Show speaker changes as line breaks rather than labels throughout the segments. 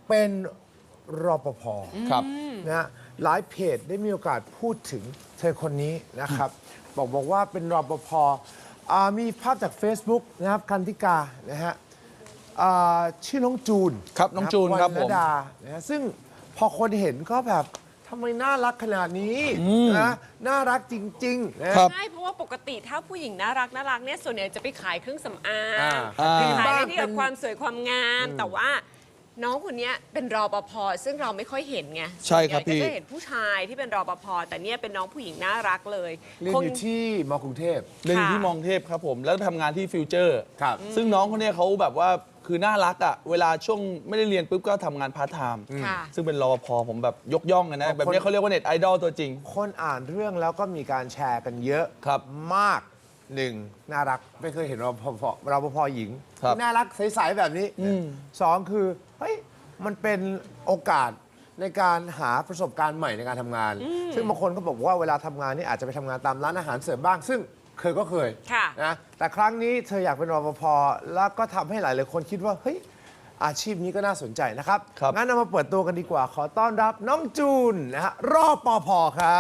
เป็นรปภ
ครับ
นะฮะหลายเพจได้มีโอกาสพูดถึงเธอคนนี้นะครับ บอกว่าเป็นรปภมีภาพจาก Facebook นะครับกันธิกานะฮะชื่อน้องจูน
ครับน้องจูนครับผม
วรรณดานะฮะซึ่งพอคนเห็นก็แบบทำไมน่ารักขนาดนี้นะน่ารักจริงๆนะ
ครับ
ใช่ เพราะว่าปกติถ้าผู้หญิงน่ารักเนี่ยส่วนใหญ่จะไปขายเครื่องสำอาง
อ่า
ขาย
บ้าน
อะไรที่เกี่ยวกับความสวยความงาม แต่ว่าน้องคนเนี้ยเป็นรปภซึ่งเราไม่ค่อยเห็นไง
ใช่ครับ
ส่วนใหญ่
พี่
ก็จะเห็นผู้ชายที่เป็นรปภแต่เนี่ยเป็นน้องผู้หญิงน่ารักเลย
เรียน
คง
อยู่ที่มกรุงเทพ
เรียนอยู่ที่
ค่ะ
มองเทพครับผม แล้วทำงานที่ฟิวเจอร์
ครับ
ซึ่งน้องคนเนี้ยเขาแบบว่าคือน่ารักอ่ะ เวลาช่วงไม่ได้เรียนปุ๊บก็ทำงานพาร์ทไทม์
ค่ะ
ซึ่งเป็นรปภผมแบบยกย่องเลยนะ
บางคน
แบบนี้เขาเรียกว่าเน็ตไอดอลตัวจริง
คนอ่านเรื่องแล้วก็มีการแชร์กันเยอะ
ครับ
มากหนึ่งน่ารักไม่เคยเห็นรปภหญิง
ครับ
ที่น่ารักใสๆแบบนี้สองคือเฮ้ยมันเป็นโอกาสในการหาประสบการณ์ใหม่ในการทำงาน ซึ่งบางคนก็บอกว่าเวลาทำงานนี่อาจจะไปทำงานตามร้านอาหารเสริมบ้าง ซึ่งก็เคย
ค่ะ
นะแต่ครั้งนี้เธออยากเป็นรปภแล้วก็ทำให้หลายๆคนคิดว่าเฮ้ยอาชีพนี้ก็น่าสนใจนะครับ
ครับ
งั้นเรามาเปิดตัวกันดีกว่า ขอต้อนรับน้องจูนนะฮะรปภครับ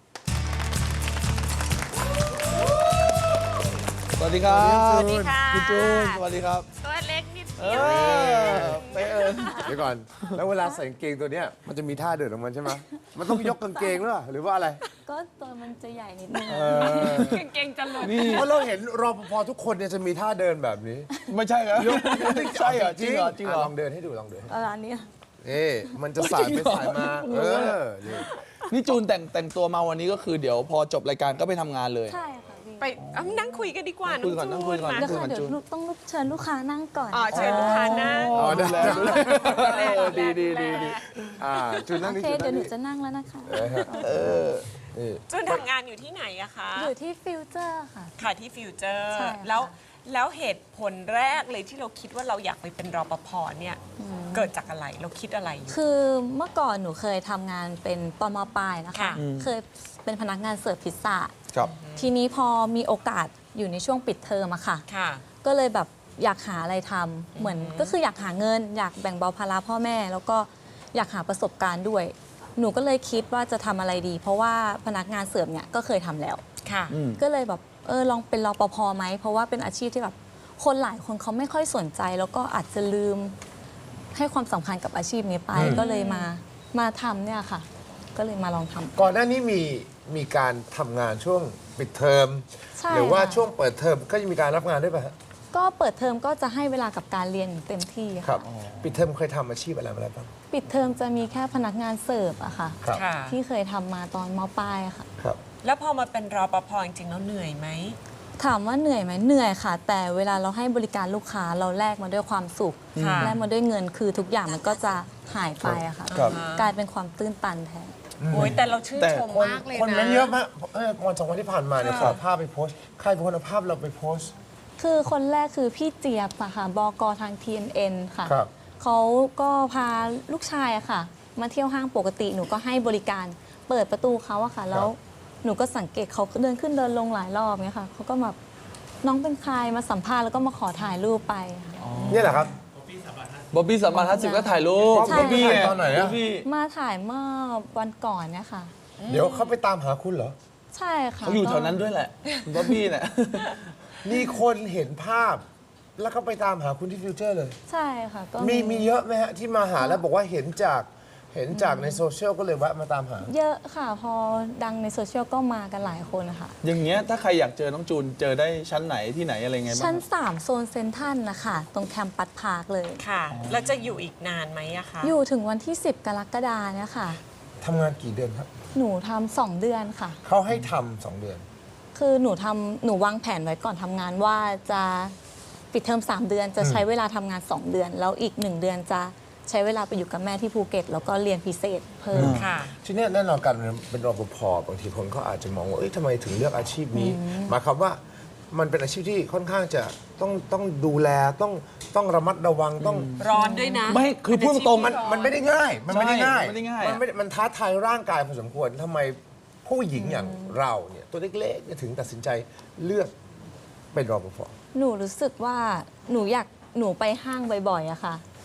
สวัสดีครับ
สวัสดีค่ะ
คุณจูนสวัสดีครับ
ตัวเล็กนิด
เอ
เดียว
อไปเออ
เดี๋ยวก่อน แล้วเวลาใส่กางเกงตัวเนี้ยมันจะมีท่าเดินของมันใช่ไหมมันต้องยกกางเกงหรือว่าอะไร
ก็ตัวมันจะใหญ่นิดนึง
กางเกงจะหลุด
เพราะเราเห็นรปภทุกคนเนี่ยจะมีท่าเดินแบบนี้
ไม่ใช่ครับใช่เหรอจริงเหรอจริงเหรอ
ลองเดินให้ดูลองเดิน
ร้านนี้
นี่มันจะสายไปสายมานี่
นี่จูนแต่งตัวมาวันนี้ก็คือเดี๋ยวพอจบรายการก็ไปทำงานเลย
ใช่ค่ะพี่
ไปนั่งคุยกันดีกว่า
นั่งคุยก่อน
น้
นั่
อง
งคุ
จู
ย
น
ก่อน
มา
เดี๋ยวค่ะ
มัน
เดี๋ยว
จูน
ต้องเชิญลูกค้านั่งก่อน
เชิญลูกค้านั่ง
อ๋อ
ดูแลดูแล
ดีจูนนั่
โอง
นี่
เค
จูน
เดี๋
นั่
ยว
ง
หนู
นี่
จะนั่งแล้วนะคะ
นี่
จูนทำงานอยู่ที่ไหนอะคะ
อยู่ที่ฟิวเจอร์ค่ะ
ค่ะที่ฟิวเจอร์
ใช่ค่ะ
แล้วเหตุผลแรกเลยที่เราคิดว่าเราอยากไปเป็นรปภเนี่ยเกิดจากอะไรเราคิดอะไรอยู่
คือเมื่อก่อนหนูเคยทำงานเป็นตอนมปลายนะคะ
ค่ะ
เคยเป็นพนักงานเสิร์ฟพิซซ่า
ครับ
ทีนี้พอมีโอกาสอยู่ในช่วงปิดเทอมอะค่ะ
ค่ะ
ก็เลยแบบอยากหาอะไรทำเหมือนก็คืออยากหาเงิน อยากแบ่งเบาภาระพ่อแม่ แล้วก็อยากหาประสบการณ์ด้วย หนูก็เลยคิดว่าจะทำอะไรดี เพราะว่าพนักงานเสิร์ฟเนี่ยก็เคยทำแล้ว
ค่ะ
ก็เลยแบบลองเป็นรปภไหมเพราะว่าเป็นอาชีพที่แบบคนหลายคนเขาไม่ค่อยสนใจ แล้วก็อาจจะลืมให้ความสำคัญกับอาชีพนี้ไป ก็เลยมาทำเนี่ยค่ะ ก็เลยมาลองทำ
ก่อนหน้านี้มีการทำงานช่วงปิดเทอม
ใช่
หรือว่า
ค่ะ
ช่วงเปิดเทอมก็จะมีการรับงานด้วยป่ะฮะ
ก็เปิดเทอมก็จะให้เวลากับการเรียนอย่างเต็มที่
ครั
ค่ะ
บปิดเทอมเคยทำอาชีพอะไรมาแล้วบ้าง
ปิดเทอมจะมีแค่พนักงานเสิร์ฟอะค่ะ
ครับ
ค่ะ
ที่เคยทำมาตอนมปลายอะค่ะ
ครับ
แล้วพอมาเป็นรปภจริงๆแล้วเหนื่อยไหม
ถามว่าเหนื่อยไหมเหนื่อยค่ะ แต่เวลาเราให้บริการลูกค้าเราแลกมาด้วยความสุข
ค่ะ
แลกมาด้วยเงินคือทุกอย่างมันก็จะหายไปอะค่ะ
ครับ
กลายเป็นความตื้นตันแทน
โอ้ยแต่เราชื่น
แต่
ชมมากเลย
คน
นะ
เม้นเยอะมากวันสองวันที่ผ่านมาเนี่ยข
ค่ะ
อภาพไปโพสต์ใครเป็นคนเอาภาพเราไปโพสต์
คือคนแรกคือพี่เจี๊ยบอะค่ะบกทาง TNN ค่ะ
ครับ
เขาก็พาลูกชายอะค่ะ มาเที่ยวห้างปกติหนูก็ให้บริการเปิดประตูเขาอะค่ะ แล้วหนูก็สังเกตเขาเดินขึ้นเดินลงหลายรอบเนี่ยค่ะเขาก็แบบน้องเป็นใครมาสัมภาษณ์แล้วก็มาขอถ่ายรูปไปค่ะ
เนี่ยแหละครับ
บ๊อบบี้สามารถทัศน์ก็ถ่ายรูป
ใช่
บ๊อบบี้
ถ่ายตอนไหนอะ
บ๊อบบี้
มาถ่ายเมื่อวันก่อนเนี่ยค่ะ
เดี๋ยวเขาไปตามหาคุณเหรอ
ใช่ค่ะ
เขาอยู่
ก็
แถวนั้นด้วยแหละบ๊อบบี้เนี่ย
มีคนเห็นภาพ แล้วก็ไปตามหาคุณที่ฟิวเจอร์เลย
ใช่ค่ะก็
มีเยอะไหมฮะที่มาหาแล้วบอกว่าเห็นจากในโซเชียลก็เลยแวะมาตามหา
เยอะค่ะ พอดังในโซเชียลก็มากันหลายคนนะคะ
อย่างเงี้ยถ้าใครอยากเจอน้องจูนเจอได้ชั้นไหนที่ไหนอะไรไงบ้าง
ชั้น
ครับ
3 โซนเซ็นทรัลนะคะตรงแคมปัสพาร์คเลย
ค่ะ แล้วจะอยู่อีกนานไหมอะคะ
อยู่ถึงวันที่ 10 กรกฎาเนี่ยค่ะ
ทำงานกี่เดือนครับ
หนูทำ2 เดือนค่ะ
เขาให้ทำ2 เดือน
คือหนูวางแผนไว้ก่อนทำงานว่าจะปิดเทอม3 เดือน จะใช้เวลาทำงาน 2 เดือน แล้วอีก 1 เดือนจะใช้เวลาไปอยู่กับแม่ที่ภูเก็ต แล้วก็เรียนพิเศษเพิ่ม
ค่ะ
ทีเนี้ยแน่นอนการเป็นรปภบางทีคนก็อาจจะมองว่าเอ้ยทำไมถึงเลือกอาชีพนี้หมายความว่ามันเป็นอาชีพที่ค่อนข้างจะต้องดูแลต้องระมัดระวังต้อง
ร้อนด้วยนะ
ไม่คือพูดตรงๆ
มันไม่ได้ง่าย มันไม่ได้ง่าย
ใช่มันไม่ได้ง่าย
มันท้าทายร่างกายพอสมควรทำไมผู้หญิงอย่างเราเนี่ยตัวเล็กๆเนี่ยถึงตัดสินใจเลือกเป็นรปภ
หนูรู้สึกว่าหนูไปห้างบ่อยๆอะค่ะ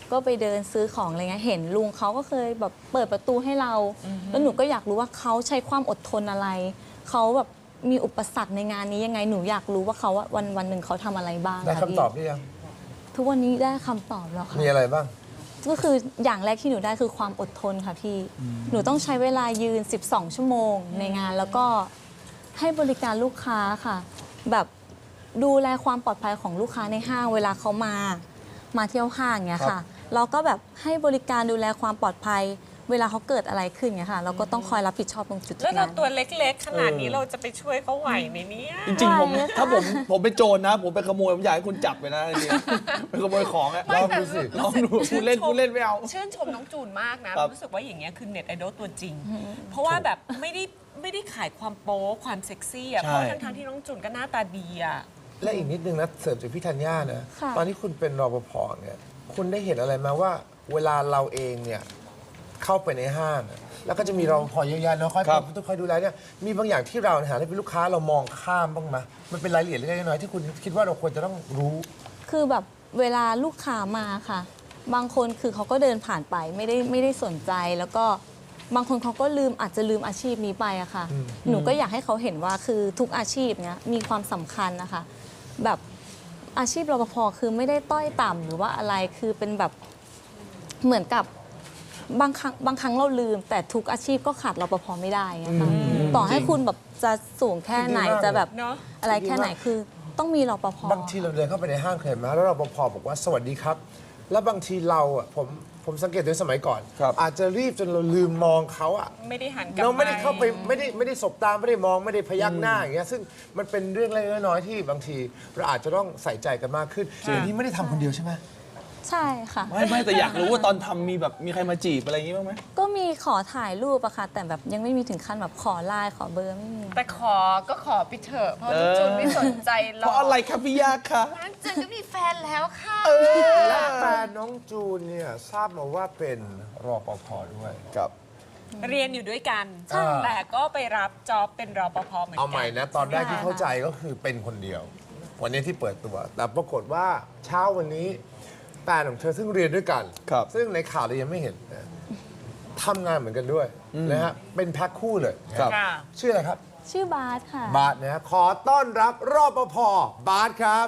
ก็ไปเดินซื้อของอะไรเงี้ยเห็นลุงเขาก็เคยแบบเปิดประตูให้เรา แล้วหนูก็อยากรู้ว่าเขาใช้ความอดทนอะไรเขาแบบมีอุปสรรคในงานนี้ยังไงหนูอยากรู้ว่าเขาว่าวันหนึ่งเขาทำอะไรบ้าง
ได้
ะ
คำ
พี่
ตอบหรือยัง
ทุกวันนี้ได้คำตอบแล้วค่ะ
มีอะไรบ้าง
ก็คืออย่างแรกที่หนูได้คือความอดทนค่ะพี่ หนูต้องใช้เวลายืน 12 ชั่วโมงในงานแล้วก็ให้บริการลูกค้าค่ะ แบบดูแลความปลอดภัยของลูกค้าในห้างเวลาเขามาเที่ยวห้างเงี้ย
ครั
ค่ะ
บ
เราก็แบบให้บริการดูแลความปลอดภัย เวลาเขาเกิดอะไรขึ้นเงี้ยค่ะเราก็ต้องคอยรับผิดชอบตรงจุด
แล้วเรา
นั้น
ตัวเล็กๆ ขนาดนี้เราจะไปช่วยเขาไหวไหมเนี่ย
จริงๆผม
ไหวไหมคะ
ถ้าผมเป็นโจรนะ ผมไปขโมยผมอยากให้คุณจับไปนะจริงๆไปขโมยของอะ
ลองดูสิ
ลองดูคุณเล่นไม่เอา
ชื่นชมน้องจูนมากนะ
ครับ
รู้สึกว่าอย่างเงี้ยคือเน็ตไอดอลตัวจริง เพราะว่าแบบไม่ได้ขายความโป๊ความเซ็กซี่อ่ะ
ใช่
เพราะทั้งๆที่น้องจูนก็หน้าตาดีอ่ะ
และอีกนิดนึงนะเสริมจากพี่ธัญญานะ
ค่ะ
ตอนที่คุณเป็นรปภเนี่ยคุณได้เห็นอะไรไหมาว่า เวลาเราเองเนี่ยเข้าไปในห้างอะแล้วก็จะมีรปภเยอะแยะเนาะคอย
ครับ
ต้องคอยดูแลเนี่ยมีบางอย่างที่เราในฐานะเป็นลูกค้าเรามองข้ามบ้างไหมมันเป็นรายละเอียดเล็กๆน้อยๆที่คุณคิดว่าเราควรจะต้องรู้
คือแบบเวลาลูกค้ามาค่ะ บางคนคือเขาก็เดินผ่านไปไม่ได้สนใจ แล้วก็บางคนเขาก็อาจจะลืมอาชีพนี้ไปอะค่ะ หนูก็อยากให้เขาเห็นว่าคือทุกอาชีพเนี้ยมีความสำคัญนะคะ แบบอาชีพรปภคือไม่ได้ต้อยต่ำหรือว่าอะไรคือเป็นแบบเหมือนกับบางครั้งเราลืม แต่ทุกอาชีพก็ขาดรปภไม่ได้ไงคะต่อให้คุณแบบจะสูงแค่ไหน
ดีมาก
จะแบบ
เนอะ
อะไรแค่ไหนคือต้องมีรปภ
บางทีเราเดินเข้าไปในห้างเคยเห็นไหมแล้วรปภบอกว่าสวัสดีครับ แล้วบางทีเราอ่ะผมสังเกตในสมัยก่อน
ครับ
อาจจะรีบจนเราลืมมองเขาอ่ะ
ไม่ได้หันกลับ
เราไม่ได้เข้าไปไม่ได้สบตาไม่ได้มองไม่ได้พยักหน้าอย่างเงี้ยซึ่งมันเป็นเรื่องเล็กๆน้อยๆที่บางทีเราอาจจะต้องใส่ใจกันมากขึ้นอันนี้ไม่ได้ทำคนเดียวใช่ไหม
ใช่ค่ะ
ไม่แต่อยากรู้ว่าตอนทำมีใครมาจีบอะไรอย่างงี้บ้างไหม
ก็มีขอถ่ายรูปอะค่ะ แต่แบบยังไม่มีถึงขั้นแบบขอไลน์ขอเบอร์ไม่มี
แต่ขอไปเถอะเพราะน้องจูนไม่สนใจหร
เพ
อก
ราะอะไรครับพี่ยาคะ
น้องจูนก็มีแฟนแล้วค่ะ
และแฟนน้องจูนเนี่ยทราบมาว่าเป็นรปภด้วย
ครับ
เรียนอยู่ด้วยกัน
ใช่
แต่ก็ไปรับจ็อบเป็นรปภเหมือนกั
เอาใหม่นะตอนแรกที่เข้าใจก็คือเป็นคนเดียว วันนี้ที่เปิดตัว แต่ปรากฏว่าเช้าวันนี้แฟนของเธอซึ่งเรียนด้วยกัน
ครับ
ซึ่งในข่าวเรายังไม่เห็นนะทำงานเหมือนกันด้วยนะฮะเป็นแพ็คคู่เลย
ครับ
ค่ะ
ชื่ออะไรครับ
ชื่อบาสค่ะ
บาสนะฮะขอต้อนรับรปภบาสครับ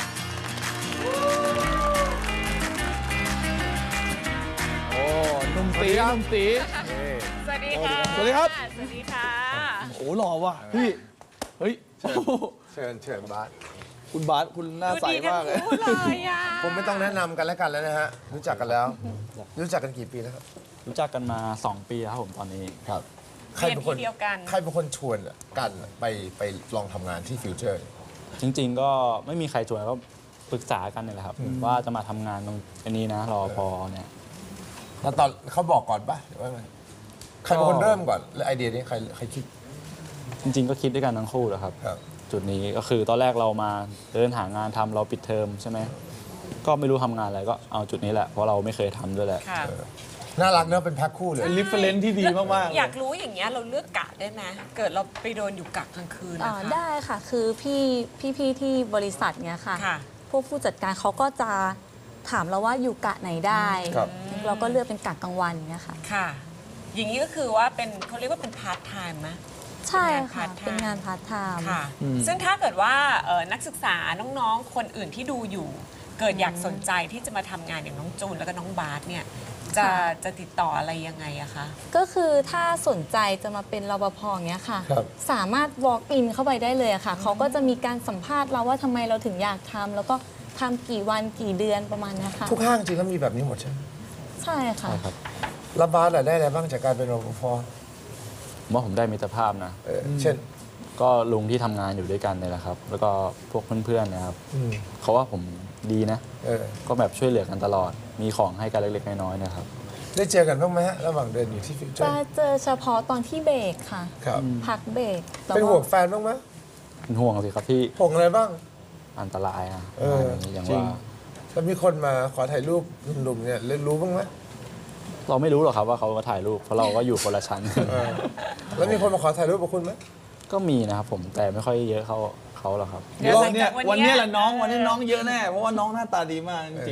โอ้หนุ่มตี
สวัสดีครับ
หนุ่มตี
สวัสดีค่ะ
สวัสดีครับ
สวัสดีค่ะ
โอ้หล่อว่ะพี่เฮ้ยโอ้โห
เชิญบาส
คุณบาสคุณหน้า
ดู
ใส
ดีกัน
มากเลย
คู่เลยอ่ะ
ผมไม่ต้องแนะนำกันแล้วกันแล้วนะฮะรู้จักกันแล้ว รู้จักกันกี่ปีแล้วครับ
รู้จักกันมา 2 ปีครับผมตอนนี้
ครับ
เรียนที่เดียวกัน
ใครเป็นคนชวนกันไปลองทำงานที่ฟิวเจอร์
จริงๆ ก็ไม่มีใครชวนก็ปรึกษากันเนี่ยแหละครับ ว่าจะมาทำงานตรงอันนี้นะรอพอเนี่ย
แล้วตอนเขาบอกก่อนปะหรือว่าไงใครเป็นคนเริ่มก่อนแล้วไอเดียนี้ใครคิด
จริงๆ ก็คิดด้วยกันทั้งคู่แหละครับ
ครับ
จุดนี้ก็คือตอนแรกเรามาเดินหางานทำเราปิดเทอมใช่ไหมก็ไม่รู้ทำงานอะไรก็เอาจุดนี้แหละเพราะเราไม่เคยทำด้วยแหละ
ค่ะ
น่ารักเนอะเป็นแพ็คคู่เลย
เป็นริฟเฟรนที่ดีมากๆเล
อย ยากรู้อย่างเงี้ยเราเลือกกะได้ไหมเกิดเราไปโดนอยู่กะกลางคืน
อ๋อ
นะคะ
ได้ค่ะ คือพี่ที่บริษัทเนี้ยค่ะ
ค่ะ
พวกผู้จัดการเขาก็จะถามเราว่าอยู่กะไหนได้
ครับ
เราก็เลือกเป็นกะกลางวันเนี้ยค่ะ
ค่ะ อย่างนี้ก็คือว่าเป็นเขาเรียกว่าเป็นพาร์ทไทม์ไหม
ใช่ค่ะ
เป็
เป็น
นงาง
าน นพาร์ทไทม์
ค่ะ ซึ่งถ้าเกิดว่านักศึกษาน้องๆ คนอื่นที่ดูอยู่ เกิดอยากสนใจที่จะมาทำงานอย่างน้องจูนแล้วก็น้องบาสเนี่ยจะติดต่ออะไรยังไงอะคะ
ก็คือถ้าสนใจจะมาเป็นรปภอย่างเงี้ยค่ะ
ครับ
สามารถ walk in เข้าไปได้เลยอะค่ะ เขาก็จะมีการสัมภาษณ์เราว่าทำไมเราถึงอยากทำแล้วก็ทำกี่วันกี่เดือนประมาณเนี้ยค่ะ
ทุกห้างจริงก็มีแบบนี้หมดใช่ไหม
ใช่ค่ะ
ใช่ครับ
แล้วบาสอะได้อะไรบ้างจากการเป็นรปภ
ผมว่าผมได้มิตรภาพนะ
เช่น
ก็ลุงที่ทำงานอยู่ด้วยกันเนี่ยแหละครับ แล้วก็พวกเพื่อนๆนะครับ
อืม
เขาว่าผมดีนะ
เออ
ก็แบบช่วยเหลือกันตลอด มีของให้กันเล็กๆน้อยๆเนะครับ
ได้เจอกันบ้างไหมฮะระหว่างเดินอยู่ที่ฟิวเจอ
จะ
ร์
เจอเฉพาะตอนที่เบรกค่ะ
ครับ
พักเบรกแต่
เป็นห่วงแฟนบ้างไหม
เป็นห่วงสิครับที่
ห่วงอะไรบ้าง
อันตรายอ่ะ
เออ
อย่าง
จริง
ว่า
แล้วมีคนมาขอถ่ายรูปหนุ่มๆเนี่ยรู้บ้างไหม
เราไม่รู้หรอกครับว่าเขามาถ่ายรูปเพราะเราก็อยู่คนละชั้น
เออแล้วมีคนมาขอถ่ายรูปกับคุณไหม
ก็มีนะครับผมแต่ไม่ค่อยเยอะเขาหรอกครับ
เดี๋ยว
วันเนี้ย
หลังจากวันเนี้ย
วันนี้แหละน้องวันนี้น้องเยอะแน่เพราะว่าน้องหน้าตาดีมากจริง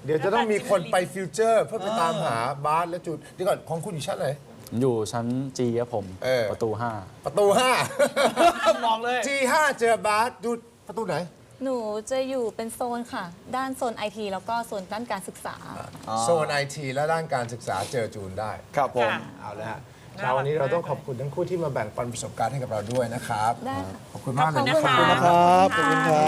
เดี๋ยวจะต้องมีคนไปฟิวเจอร์เพื่อไปตามหาบาสและจูนเดี๋ยวก่อนของคุณอยู่ชั้นไหน
ผมอยู่ชั้นจีครับผม ประตู
ประตู
มองเลย
5 G5 เจอบาสจูนประตูไหน
หนูจะอยู่เป็นโซนค่ะ ด้านโซนไอทีแล้วก็โซนด้านการศึกษา
โซนไอทีและด้านการศึกษาเจอจูนได้
ครับผม
ค่ะ
เอาละฮะ
น่ารัก
เช้าวันนี้เราต้องขอบคุณทั้งคู่ที่มาแบ่งปันประสบการณ์ให้กับเราด้วยนะครับ
ได้ค่ะ
ขอบคุณมากเลย
ขอบคุณนะคะ
ขอบคุณครับ